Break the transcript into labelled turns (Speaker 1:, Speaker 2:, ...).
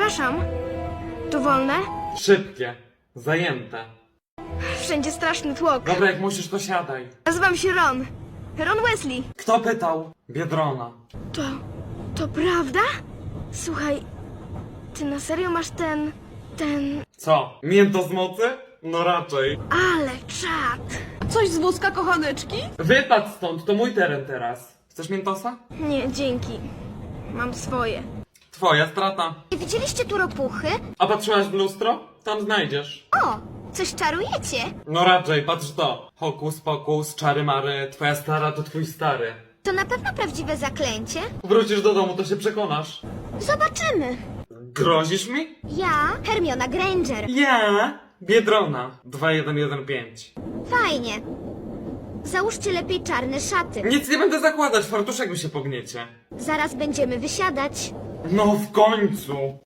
Speaker 1: Przepraszam. Tu wolne?
Speaker 2: Szybkie. Zajęte.
Speaker 1: Wszędzie straszny tłok.
Speaker 2: Dobra, jak musisz, to siadaj.
Speaker 1: Nazywam się Ron. Ron Weasley.
Speaker 2: Kto pytał? Biedrona.
Speaker 1: To prawda? Słuchaj, ty na serio masz ten...
Speaker 2: Co? Mięto z mocy? No raczej.
Speaker 1: Ale czad.
Speaker 3: Coś z wózka kochaneczki?
Speaker 2: Wypadł stąd, to mój teren teraz. Chcesz miętosa?
Speaker 1: Nie, dzięki. Mam swoje.
Speaker 2: Twoja strata.
Speaker 4: Nie widzieliście tu ropuchy?
Speaker 2: A patrzyłaś w lustro? Tam znajdziesz.
Speaker 4: O, coś czarujecie?
Speaker 2: No raczej, patrz to. Hokus pokus, czary mary, twoja stara to twój stary.
Speaker 4: To na pewno prawdziwe zaklęcie?
Speaker 2: Wrócisz do domu, to się przekonasz.
Speaker 4: Zobaczymy.
Speaker 2: Grozisz mi?
Speaker 4: Ja, Hermiona Granger.
Speaker 2: Ja? Biedrona. 2115.
Speaker 4: Fajnie. Załóżcie lepiej czarne szaty.
Speaker 2: Nic nie będę zakładać, fartuszek mi się pogniecie.
Speaker 4: Zaraz będziemy wysiadać.
Speaker 2: No w końcu.